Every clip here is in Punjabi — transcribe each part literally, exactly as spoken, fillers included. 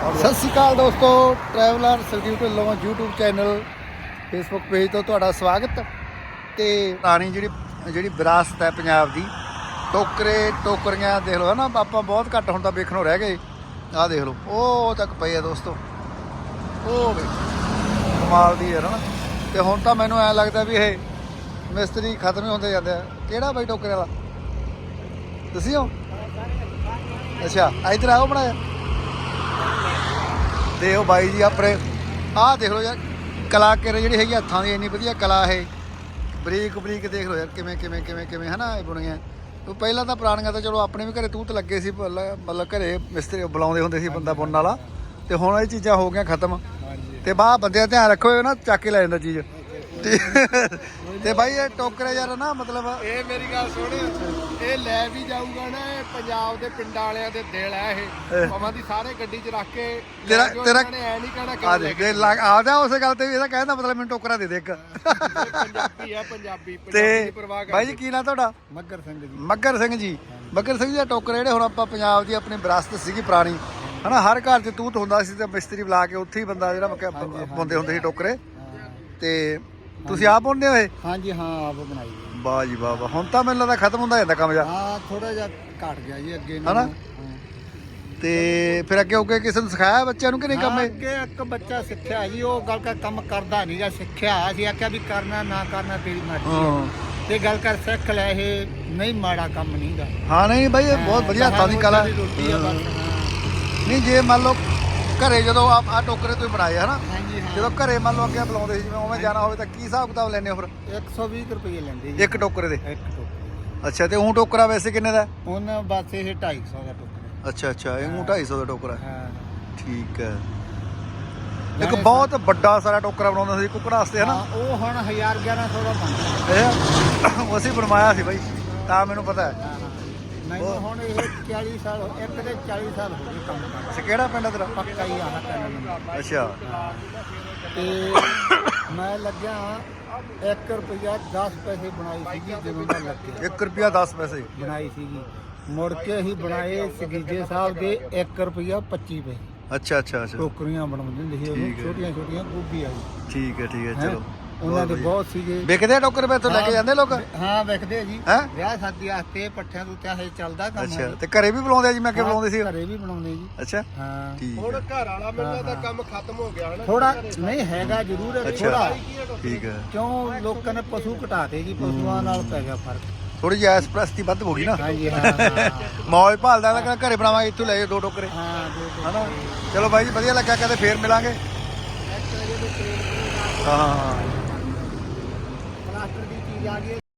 ਸਤਿ ਸ਼੍ਰੀ ਅਕਾਲ ਦੋਸਤੋ, ਟਰੈਵਲਰ ਸਰਕਿਊਟ ਵੱਲੋਂ YouTube ਚੈਨਲ ਫੇਸਬੁੱਕ ਪੇਜ ਤੋਂ ਤੁਹਾਡਾ ਸਵਾਗਤ। ਤੇ ਪੁਰਾਣੀ ਜਿਹੜੀ ਜਿਹੜੀ ਵਿਰਾਸਤ ਹੈ ਪੰਜਾਬ ਦੀ, ਟੋਕਰੇ ਟੋਕਰੀਆਂ ਦੇਖ ਲਓ ਹੈ ਨਾ, ਆਪਾਂ ਬਹੁਤ ਘੱਟ ਹੁਣ ਤਾਂ ਵੇਖਣੋਂ ਰਹਿ ਗਏ। ਆਹ ਦੇਖ ਲਓ, ਉਹ ਤੱਕ ਪਏ ਆ ਦੋਸਤੋ, ਉਹ ਵੇ ਕਮਾਲ ਦੀ ਹੈ ਨਾ। ਤੇ ਹੁਣ ਤਾਂ ਮੈਨੂੰ ਐਂ ਲੱਗਦਾ ਵੀ ਇਹ ਮਿਸਤਰੀ ਖਤਮ ਹੀ ਹੁੰਦੇ ਜਾਂਦੇ ਆ। ਕਿਹੜਾ ਬਾਈ ਟੋਕਰੇ ਵਾਲਾ ਤੁਸੀਂ ਹੋ? ਅੱਛਾ, ਇੱਧਰ ਆਓ ਬਣਾਇਆ ਤੇ ਉਹ ਬਾਈ ਜੀ ਆਪਣੇ ਆਹ ਦੇਖ ਲਓ ਯਾਰ, ਕਲਾਕਾਰੀ ਜਿਹੜੀ ਹੈਗੀ ਹੱਥਾਂ ਦੀ ਇੰਨੀ ਵਧੀਆ ਕਲਾ ਇਹ, ਬਰੀਕ ਬਰੀਕ ਦੇਖ ਲਓ ਯਾਰ ਕਿਵੇਂ ਕਿਵੇਂ ਕਿਵੇਂ ਕਿਵੇਂ ਹੈ ਨਾ ਇਹ ਬਣੀਆਂ। ਉਹ ਪਹਿਲਾਂ ਤਾਂ ਪੁਰਾਣੀਆਂ ਤਾਂ ਚਲੋ ਆਪਣੇ ਵੀ ਘਰੇ ਤੂਤ ਲੱਗੇ ਸੀ, ਮਤਲਬ ਘਰੇ ਮਿਸਤਰੀ ਬੁਲਾਉਂਦੇ ਹੁੰਦੇ ਸੀ ਬੰਦਾ ਬੁਣਨ ਵਾਲਾ, ਤੇ ਹੁਣ ਇਹ ਚੀਜ਼ਾਂ ਹੋ ਗਈਆਂ ਖਤਮ। ਤੇ ਬਾਹਰ ਬੰਦੇ ਦਾ ਧਿਆਨ ਰੱਖੋ ਨਾ, ਚੱਕ ਕੇ ਲੈ ਜਾਂਦਾ ਚੀਜ਼। ਤੇ ਬਾਈ ਇਹ ਟੋਕਰੇ ਯਾਰ ਨਾ, ਮਤਲਬ ਇਹ ਮੇਰੀ ਗੱਲ ਸੁਣ, ਇਹ ਲੈ ਵੀ ਜਾਊਗਾ ਨਾ, ਇਹ ਪੰਜਾਬ ਦੇ ਪਿੰਡਾਂ ਵਾਲਿਆਂ ਦੇ ਦਿਲ ਹੈ ਇਹ, ਭਾਵੇਂ ਦੀ ਸਾਰੇ ਗੱਡੀ 'ਚ ਰੱਖ ਕੇ ਤੇਰਾ ਤੇਰਾ ਨੇ ਐ ਨਹੀਂ ਕਹਿਣਾ ਆ ਦੇ ਆ ਜਾ ਉਸੇ ਗੱਲ ਤੇ ਵੀ ਇਹਦਾ ਕਹਿੰਦਾ ਮਤਲਬ ਮੈਨੂੰ ਟੋਕਰਾ ਦੇ ਦੇ ਇੱਕ। ਪੰਜਾਬੀ ਆ ਪੰਜਾਬੀ। ਤੇ ਬਾਈ ਜੀ ਕੀ ਨਾਂ ਤੁਹਾਡਾ? ਮੱਗਰ ਸਿੰਘ ਜੀ। ਮੱਗਰ ਸਿੰਘ ਜੀ। ਮੱਗਰ ਸਿੰਘ ਜੀ, ਟੋਕਰੇ ਜਿਹੜੇ ਹੁਣ ਆਪਾਂ ਪੰਜਾਬ ਦੀ ਆਪਣੀ ਵਿਰਾਸਤ ਸੀਗੀ ਪੁਰਾਣੀ ਹੈ ਨਾ, ਹਰ ਘਰ 'ਚ ਤੂਤ ਹੁੰਦਾ ਸੀ ਤੇ ਮਿਸਤਰੀ ਬੁਲਾ ਕੇ ਉੱਥੇ ਹੀ ਬੰਦਾ ਜਿਹੜਾ ਬੁਣਦੇ ਹੁੰਦੇ ਸੀ ਟੋਕਰੇ। ਤੇ ਤੁਸੀਂ ਆਪ ਬੁਣਦੇ ਹੋ ਇਹ? ਹਾਂਜੀ ਹਾਂ, ਆਪ ਬਣਾਈ। ਵਾਹ ਜੀ ਵਾਹ ਵਾਹ। ਹੁਣ ਤਾਂ ਮੈਨੂੰ ਲੱਗਦਾ ਖਤਮ ਹੁੰਦਾ ਜਾਂਦਾ ਕੰਮ ਜਾ। ਹਾਂ, ਥੋੜਾ ਜਿਹਾ ਘਟ ਗਿਆ ਜੀ ਅੱਗੇ ਹਨਾ। ਤੇ ਫਿਰ ਅੱਗੇ ਅੱਗੇ ਕਿਸੇ ਨੂੰ ਸਿਖਾਇਆ ਬੱਚਿਆਂ ਨੂੰ ਕਿ ਨਹੀਂ ਕੰਮ? ਅੱਗੇ ਇੱਕ ਬੱਚਾ ਸਿੱਖਿਆ ਜੀ, ਉਹ ਗੱਲ ਕਰ ਕੰਮ ਕਰਦਾ ਨਹੀਂ ਜਾਂ ਸਿੱਖਿਆ ਅਸੀਂ ਆਖਿਆ ਵੀ ਕਰਨਾ ਨਾ ਕਰਨਾ ਤੇਰੀ ਮਰਜ਼ੀ ਤੇ ਗੱਲ ਕਰ ਸਿੱਖ ਲੈ, ਇਹ ਨਹੀਂ ਮਾੜਾ ਕੰਮ ਨਹੀਂਗਾ। ਹਾਂ ਨਹੀਂ ਬਾਈ, ਇਹ ਬਹੁਤ ਵਧੀਆ ਹੱਥਾਂ ਦੀ ਕਲਾ ਨਹੀਂ। ਜੇ ਮੰਨ ਲਓ ਘਰੇ ਜਦੋਂ ਆ ਆ ਟੋਕਰੇ ਤੁਸੀਂ ਬਣਾਏ ਹਨਾ, ਜਦੋਂ ਘਰੇ ਮੰਨ ਲਓ ਅੱਗੇ ਬੁਲਾਉਂਦੇ ਸੀ ਜਿਵੇਂ ਉਵੇਂ ਜਾਣਾ ਹੋਵੇ ਤਾਂ ਕੀ ਹਿਸਾਬ ਕਿਤਾਬ ਲੈਂਦੇ ਹੋ ਫਿਰ? ਇੱਕ ਸੌ ਵੀਹ ਰੁਪਏ ਲੈਂਦੇ ਜੀ ਇੱਕ ਟੋਕਰੇ ਦੇ? ਇੱਕ ਟੋਕਰੇ। ਅੱਛਾ, ਤੇ ਉਹ ਟੋਕਰਾ ਵੈਸੇ ਕਿੰਨੇ ਦਾ? ਉਹਨਾਂ ਬਸ ਇਹ ਢਾਈ ਸੌ ਦਾ ਟੋਕਰਾ। ਅੱਛਾ ਅੱਛਾ, ਇਹ ਢਾਈ ਸੌ ਦਾ ਟੋਕਰਾ। ਹਾਂ ਠੀਕ ਹੈ। ਇੱਕ ਬਹੁਤ ਵੱਡਾ ਸਾਰਾ ਟੋਕਰਾ ਬਣਾਉਂਦਾ ਸੀ ਕੁੱਕੜਾਂ ਵਾਸਤੇ ਹਨਾ, ਉਹ ਹੁਣ ਹਜ਼ਾਰ ਗਿਆਰਾਂ ਸੌ ਦਾ ਬਣਦਾ। ਇਹ ਅਸੀਂ ਬਣਵਾਇਆ ਸੀ ਬਾਈ, ਤਾਂ ਮੈਨੂੰ ਪਤਾ ਹੈ। ਮੈਨੂੰ ਹੁਣ ਇਹ ਚਾਲੀ ਸਾਲ ਇੱਕ ਦੇ ਚਾਲੀ ਸਾਲ ਹੋ ਗਏ ਕੰਮ ਕਰਦਾ। ਅੱਛਾ, ਕਿਹੜਾ ਪਿੰਡ ਤੇਰਾ? ਪੱਕਾ ਹੀ ਆਹ ਪਿੰਡ। ਅੱਛਾ। ਤੇ ਮੈਂ ਲੱਗਿਆ ਇੱਕ ਰੁਪਈਆ ਦਸ ਪੈਸੇ ਬਣਾਈ ਸੀਗੀ ਜਦੋਂ ਦਾ ਲੱਗਿਆ। ਇੱਕ ਰੁਪਿਆ ਦਸ ਪੈਸੇ ਬਣਾਈ ਸੀਗੀ, ਮੁੜ ਕੇ ਅਸੀਂ ਬਣਾਏ ਸਗੀਜੇ ਸਾਹਿਬ ਦੇ ਇੱਕ ਰੁਪਈਆ ਪੱਚੀ ਪੈਸੇ। ਅੱਛਾ ਅੱਛਾ ਅੱਛਾ, ਟੋਕਰੀਆਂ ਬਣਾਉਂਦੇ ਹੁੰਦੇ ਸੀ ਉਹ, ਛੋਟੀਆਂ ਛੋਟੀਆਂ ਗੋਭੀ ਵਾਲੀ। ਠੀਕ ਹੈ ਠੀਕ ਹੈ, ਚਲੋ ਉਹਨਾਂ ਦੇ ਬਹੁਤ ਸੀਗੇ। ਵਿਕਦੇ ਆ ਟੋਕਰੇ ਇੱਥੋਂ ਲੈ ਕੇ ਜਾਂਦੇ ਲੋਕ? ਹਾਂ ਵਿਕਦੇ ਆ ਜੀ, ਹੈਂ? ਵਿਆਹ ਸ਼ਾਦੀ ਵਾਸਤੇ ਪੱਠਿਆਂ ਤੋਂ ਚਾਹੇ ਚੱਲਦਾ ਕੰਮ। ਅੱਛਾ, ਤੇ ਘਰੇ ਵੀ ਬੁਲਾਉਂਦੇ ਆ ਜੀ? ਮੈਂ ਅੱਗੇ ਬੁਲਾਉਂਦੇ ਸੀ। ਘਰੇ ਵੀ ਬਣਾਉਂਦੇ ਜੀ। ਅੱਛਾ ਹਾਂ, ਠੀਕ ਹੁਣ ਹੈ। ਘਰ ਵਾਲਾ ਮਿਲਦਾ ਤਾਂ ਕੰਮ ਖਤਮ ਹੋ ਗਿਆ ਹਨਾ। ਥੋੜਾ ਨਹੀਂ ਹੈਗਾ ਜ਼ਰੂਰ ਹੈ ਥੋੜਾ, ਠੀਕ ਹੈ। ਕਿਉਂ ਲੋਕਾਂ ਨੇ ਪਸ਼ੂ ਘਟਾਤੇ ਜੀ, ਪਸ਼ੂਆਂ ਨਾਲ ਪੈ ਗਿਆ ਫਰਕ। ਥੋੜੀ ਜਿਹੀ ਐਸ ਪ੍ਰਸਤੀ ਵੱਧ ਹੋ ਗਈ ਨਾ। ਹਾਂਜੀ ਹਾਂ, ਮੌਜ ਭਾਲਦਾ ਤਾਂ ਘਰੇ ਬਣਾਵਾਂਗੇ, ਇੱਥੋਂ ਲੈ ਜਾਓ ਦੋ ਟੋਕਰੇ ਹਾਂ ਦੋ ਹਨਾ। ਚਲੋ ਬਾਈ ਜੀ, ਵਧੀਆ ਲੱਗਾ, ਕਦੇ ਫੇਰ ਮਿਲਾਂਗੇ। ਹਾਂ, ਪਲਾਸਟਰ ਦੀ ਚੀਜ਼ ਆ ਗਈ।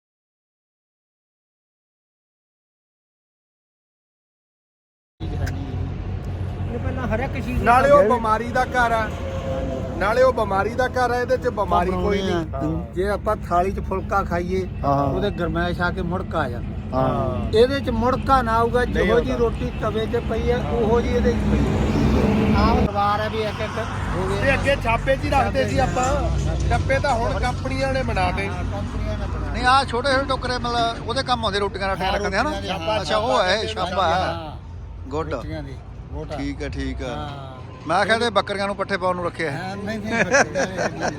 ਇਹ ਪਹਿਲਾਂ ਹਰ ਇੱਕ ਚੀਜ਼ ਨਾਲੇ ਉਹ ਬਿਮਾਰੀ ਦਾ ਘਰ ਆ, ਨਾਲੇ ਉਹ ਬਿਮਾਰੀ ਦਾ ਘਰ ਆ, ਇਹਦੇ ਚ ਬਿਮਾਰੀ ਕੋਈ ਨਹੀਂ। ਜੇ ਆਪਾਂ ਥਾਲੀ 'ਚ ਫੁਲਕਾ ਖਾਈਏ ਉਹਦੇ ਗਰਮੈਸ਼ ਆ ਕੇ ਮੁੜਕਾ ਆ ਜਾਂਦਾ। ਹਾਂ, ਇਹਦੇ 'ਚ ਮੁੜਕਾ ਨਾ ਆਊਗਾ, ਜਿਹੋ ਜੀ ਰੋਟੀ ਤਵੇ 'ਤੇ ਪਈ ਹੈ ਉਹੋ ਜੀ ਇਹਦੇ 'ਚ ਪਈ। ਆਹ ਸਵਾਰ ਹੈ ਵੀ ਇੱਕ ਇੱਕ ਹੋ ਤੇ ਗਏ। ਅੱਗੇ ਛਾਪੇ 'ਚ ਹੀ ਰੱਖਦੇ ਸੀ ਆਪਾਂ, ਡੱਬੇ ਤਾਂ ਹੁਣ ਕੰਪਨੀਆਂ ਨੇ ਬਣਾਤੇ। ਕੰਪਨੀਆਂ ਨੇ ਬਣਾ ਨਹੀਂ ਆਹ ਛੋਟੇ ਛੋਟੇ ਟੋਕਰੇ ਮਤਲਬ ਉਹਦੇ ਕੰਮ ਆਉਂਦੇ, ਰੋਟੀਆਂ ਰਾਟੀਆਂ ਰੱਖਦੇ ਹਨਾ। ਅੱਛਾ, ਉਹ ਹੈ ਛਾਪਾ ਹੈ। ਗੁੱਡ, ਰੋਟੀਆਂ ਦੀ ਮੋਟਾ। ਠੀਕ ਹੈ ਠੀਕ ਹੈ। ਹਾਂ, ਮੈਂ ਕਿਹਾ ਤੇ ਬੱਕਰੀਆਂ ਨੂੰ ਪੱਠੇ ਪਾਉਣ ਨੂੰ ਰੱਖਿਆ ਹੈ। ਹਾਂ, ਨਹੀਂ ਨਹੀਂ ਬੱਕਰੀਆਂ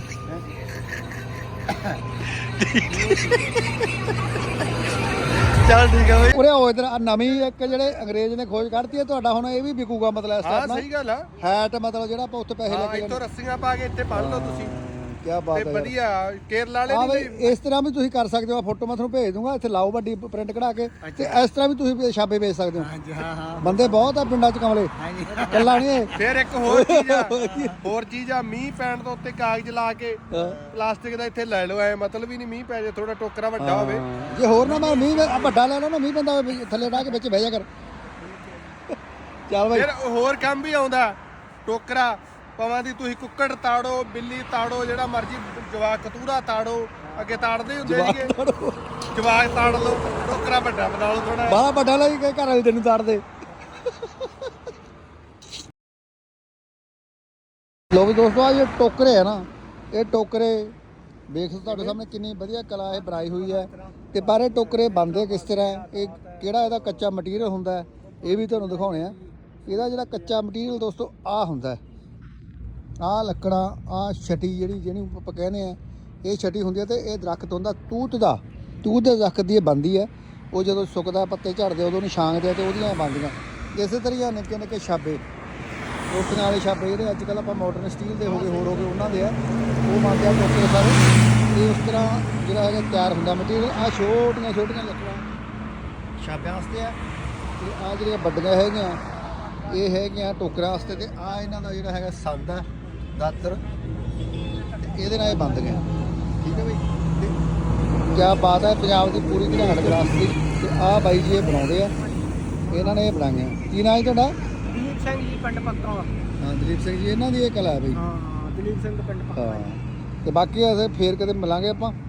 ਚੱਲ ਠੀਕ ਹੈ ਬਾਈ। ਉਰੇ ਉਹ ਇਧਰ ਨਵੀਂ ਇੱਕ ਜਿਹੜੇ ਅੰਗਰੇਜ਼ ਨੇ ਖੋਜ ਕੱਢਤੀ ਹੈ, ਤੁਹਾਡਾ ਹੁਣ ਇਹ ਵੀ ਵਿਕੂਗਾ ਮਤਲਬ ਇਸ ਹਾਂ ਤਰ੍ਹਾਂ ਸਹੀ ਗੱਲ ਆ। ਹੈਟ, ਮਤਲਬ ਜਿਹੜਾ ਆਪਾਂ ਉੱਥੇ ਪੈਸੇ ਲੈ ਹਾਂ, ਕੇ ਇੱਥੋਂ ਰੱਸੀਆਂ ਪਾ ਕੇ ਇੱਥੇ ਬੰਨ ਲਓ ਤੁਸੀਂ, ਕੀ ਬਾਤ ਤੇ ਹੈ। ਵਧੀਆ ਕੇਰਲਾ ਵਾਲੇ ਹਾਂ ਨਹੀਂ। ਬਈ, ਇਸ ਤਰ੍ਹਾਂ ਵੀ ਤੁਸੀਂ ਕਰ ਸਕਦੇ ਹੋ। ਫੋਟੋ ਮੈਂ ਤੁਹਾਨੂੰ ਭੇਜ ਦੂੰਗਾ, ਇੱਥੇ ਲਾਓ ਵੱਡੀ ਪ੍ਰਿੰਟ ਕਢਾ ਕੇ, ਤੇ ਇਸ ਤਰ੍ਹਾਂ ਵੀ ਤੁਸੀਂ ਛਾਪੇ ਵੇਚ ਸਕਦੇ ਹੋ। ਹਾਂਜੀ ਹਾਂ ਹਾਂ ਬੰਦੇ ਬਹੁਤ ਆ ਪਿੰਡਾਂ 'ਚ ਕਮਲੇ, ਹਾਂਜੀ। ਕੱਲਾ ਨਹੀਂ ਇਹ। ਫਿਰ ਇੱਕ ਹੋਰ ਚੀਜ਼ ਆ, ਹੋਰ ਚੀਜ਼ ਆ, ਮੀਂਹ ਪੈਣ ਤੋਂ ਉੱਤੇ ਕਾਗਜ਼ ਲਾ ਕੇ ਪਲਾਸਟਿਕ ਦਾ ਇੱਥੇ ਲੈ ਲਓ, ਐ ਮਤਲਬ ਹੀ ਨਹੀਂ ਮੀਂਹ ਪੈ ਜੇ, ਥੋੜਾ ਟੋਕਰਾ ਵੱਡਾ ਹੋਵੇ। ਜੇ ਹੋਰ ਨਾ ਮੈਂ ਮੀਂਹ ਆ ਵੱਡਾ ਲੈ ਲਓ ਨਾ, ਮੀਂਹ ਪੈਂਦਾ ਹੋਵੇ ਥੱਲੇ ਢਾ ਕੇ ਵਿੱਚ ਬਹਿ ਜਾ ਕਰ। ਚੱਲ ਬਾਈ, ਫਿਰ ਹੋਰ ਕੰਮ ਵੀ ਆਉਂਦਾ ਟੋਕਰਾ, ਭਾਵੇਂ ਦੀ ਤੁਸੀਂ ਕੁੱਕੜ ਤਾੜੋ, ਬਿੱਲੀ ਤਾੜੋ, ਜਿਹੜਾ ਮਰਜੀ ਜਵਾਕ ਕਤੂਰਾ ਤਾੜੋ, ਅੱਗੇ ਤਾੜਦੇ ਹੁੰਦੇ ਸੀਗੇ, ਜਵਾਕ ਤਾੜ ਲਓ, ਟੋਕਰਾ ਵੱਡਾ ਬਣਾ ਲਓ ਥੋੜਾ। ਬਾਹਲਾ ਵੱਡਾ ਲੈ ਕੇ ਘਰ ਵਾਲੀ ਤੈਨੂੰ ਤਾੜਦੇ। ਲੋ ਵੀ ਦੋਸਤੋ, ਆ ਇਹ ਟੋਕਰੇ ਹੈ ਨਾ, ਇਹ ਟੋਕਰੇ ਵੇਖ ਤੁਹਾਡੇ ਸਾਹਮਣੇ ਕਿੰਨੀ ਵਧੀਆ ਕਲਾ ਇਹ ਬਣਾਈ ਹੋਈ ਹੈ। ਤੇ ਪਰ ਇਹ ਟੋਕਰੇ ਬਣਦੇ ਕਿਸ ਤਰ੍ਹਾਂ, ਇਹ ਕਿਹੜਾ ਇਹਦਾ ਕੱਚਾ ਮਟੀਰੀਅਲ ਹੁੰਦਾ, ਇਹ ਵੀ ਤੁਹਾਨੂੰ ਦਿਖਾਉਣੇ ਆ। ਇਹਦਾ ਜਿਹੜਾ ਕੱਚਾ ਮਟੀਰੀਅਲ ਦੋਸਤੋ ਆ ਹੁੰਦਾ, ਆਹ ਲੱਕੜਾਂ, ਆਹ ਛਟੀ ਜਿਹੜੀ ਜਿਹਨੂੰ ਆਪਾਂ ਕਹਿੰਦੇ ਆ, ਇਹ ਛਟੀ ਹੁੰਦੀ ਹੈ। ਤੇ ਇਹ ਦਰਖਤ ਹੁੰਦਾ ਤੂਤ ਦਾ, ਤੂਤ ਦੇ ਦਰਖਤ ਦੀ ਇਹ ਬਣਦੀ ਹੈ। ਉਹ ਜਦੋਂ ਸੁੱਕਦਾ ਪੱਤੇ ਝੜਦੇ ਉਦੋਂ ਉਹਨੂੰ ਛਾਂਗਦੇ ਤੇ ਉਹਦੀਆਂ ਬਣਦੀਆਂ। ਇਸੇ ਤਰ੍ਹਾਂ ਨਿੱਕੇ ਨਿੱਕੇ ਛਾਬੇ, ਰੋਟੀਆਂ ਵਾਲੇ ਛਾਬੇ ਜਿਹੜੇ ਅੱਜ ਕੱਲ੍ਹ ਆਪਾਂ ਮਾਡਰਨ ਸਟੀਲ ਦੇ ਹੋ ਗਏ, ਹੋਰ ਹੋ ਗਏ, ਉਹਨਾਂ ਦੇ ਆ, ਉਹ ਬਣਦੇ ਆ ਟੋਕਰੇ ਸਾਰੇ। ਤੇ ਉਸ ਤਰ੍ਹਾਂ ਜਿਹੜਾ ਹੈਗਾ ਤਿਆਰ ਹੁੰਦਾ ਮਟੀਰੀਅਲ। ਆਹ ਛੋਟੀਆਂ ਛੋਟੀਆਂ ਲੱਕੜਾਂ ਛਾਬਿਆਂ ਵਾਸਤੇ ਆ, ਤੇ ਆਹ ਜਿਹੜੀਆਂ ਵੱਡੀਆਂ ਹੈਗੀਆਂ ਇਹ ਹੈਗੀਆਂ ਟੋਕਰਿਆਂ ਵਾਸਤੇ। ਤੇ ਆਹ ਇਹਨਾਂ ਦਾ ਜਿਹੜਾ ਹੈਗਾ ਸੰਦ ਆ, ਦਾਤਰ, ਤੇ ਇਹਦੇ ਨਾਲ ਇਹ ਬਣਦੀਆਂ, ਠੀਕ ਹੈ ਬਈ। ਤੇ ਕਿਆ ਬਾਤ ਹੈ ਪੰਜਾਬ ਦੀ ਪੂਰੀ ਘਰਾਟ ਵਿਰਾਸਤ ਦੀ। ਤੇ ਆਹ ਬਾਈ ਜੀ ਇਹ ਬਣਾਉਂਦੇ ਆ, ਇਹਨਾਂ ਨੇ ਇਹ ਬਣਾਈਆਂ। ਕੀ ਨਾਂ ਜੀ ਤੁਹਾਡਾ? ਦਲੀਪ ਸਿੰਘ ਜੀ ਪਿੰਡ ਪੱਤੋਂ। ਹਾਂ ਦਲੀਪ ਸਿੰਘ ਜੀ, ਇਹਨਾਂ ਦੀ ਇਹ ਕਲਾ ਹੈ ਬਈ। ਹਾਂ ਦਲੀਪ ਸਿੰਘ ਪਿੰਡ ਪੱਤੋਂ। ਹਾਂ ਤੇ ਬਾਕੀ ਅਸੀਂ ਫੇਰ ਕਦੇ ਮਿਲਾਂਗੇ ਆਪਾਂ।